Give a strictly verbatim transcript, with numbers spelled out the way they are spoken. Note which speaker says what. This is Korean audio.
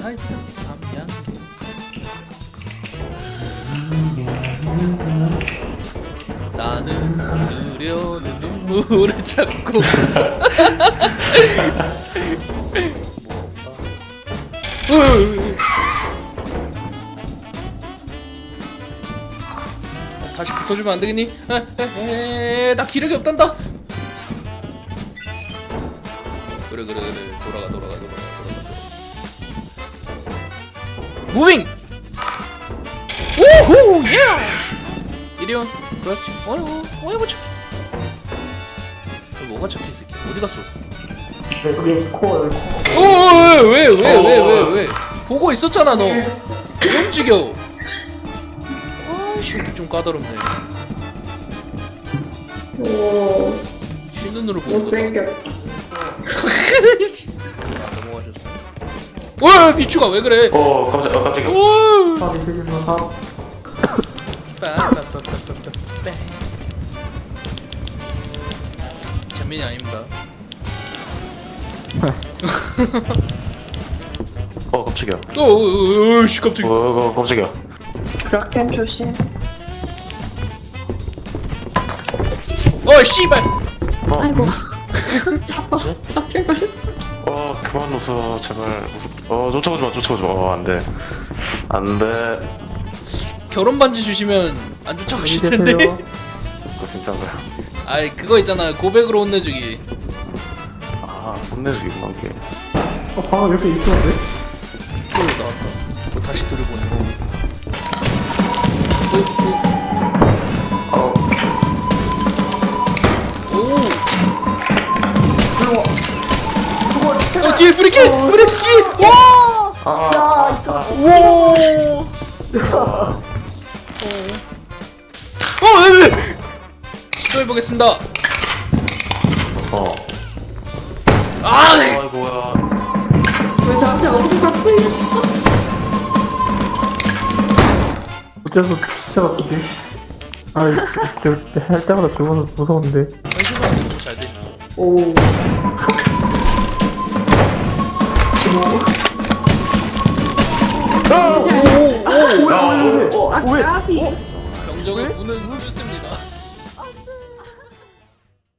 Speaker 1: 살짝 담양계. 나는 흐려는 눈물을 참고. 뭐 없다. 다시 붙어주면 안 되겠니? 에에에 나 기력이 없단다. 그래 그래 그래 돌아가 돌아가 돌아가 돌아가 돌아가. 무빙. 오호 예. 이리온 그렇지. 어이구 어이구 착해. 뭐가 착해 이 새끼 어디 갔어?
Speaker 2: 네, 여기 코 여기 코.
Speaker 1: 어왜왜왜왜왜 왜? 보고 있었잖아 너. 왜 움직여? 아씨 이렇게 좀 까다롭네.
Speaker 2: 오.
Speaker 1: 흰 눈으로 보고 있다.
Speaker 2: 못생겼다.
Speaker 1: 아 넘어가셨어. 와 미추가 왜 그래?
Speaker 3: 어 깜짝 어 깜짝이야.
Speaker 1: 오.
Speaker 2: 아 미치겠나 사.
Speaker 1: 빠빠빠빠빠빠. 재민이 아닙니다.
Speaker 3: 어 깜짝이야.
Speaker 1: 오오오씨 갑자기.
Speaker 3: 어, 어 깜짝이야.
Speaker 2: 락템 조심.
Speaker 1: 어 씨발.
Speaker 3: 어,
Speaker 2: 아이고.
Speaker 3: 뭐지?
Speaker 2: 락템 걸렸어.
Speaker 3: 어 그만 웃어 제발. 어 쫓아오지 마 쫓아오지 마. 어 안돼 안돼.
Speaker 1: 결혼 반지 주시면 안 쫓아오실 텐데.
Speaker 2: 계세요.
Speaker 3: 그거 진짜인가요?
Speaker 1: 아이 그거 있잖아 고백으로 혼내주기.
Speaker 3: 아 혼내주기구나 그게.
Speaker 2: 어 방금 이렇게 있었는데?
Speaker 1: 또 나왔다. 뭐 다시 들어보는 거.
Speaker 3: 어
Speaker 1: 오.
Speaker 2: 들어와.
Speaker 1: 어 뒤에 브레이크 브레이크. 와.
Speaker 3: 아,
Speaker 2: 야,
Speaker 3: 아,
Speaker 2: 이거.
Speaker 3: 아,
Speaker 1: 와.
Speaker 3: 아,
Speaker 1: 어. 에. 시도해보겠습니다.
Speaker 3: 어.
Speaker 1: 아.
Speaker 3: 아이고야.
Speaker 2: 왜 저한테 어떻게 갖고 있어? 어째서 진짜 바쁘지? 아, 할 때마다 죽어서 무서운데.
Speaker 1: 잘 돼.
Speaker 2: 오.
Speaker 1: 오. 오.
Speaker 2: 오, 아까비.
Speaker 1: 병정은 문은 문을 쓰면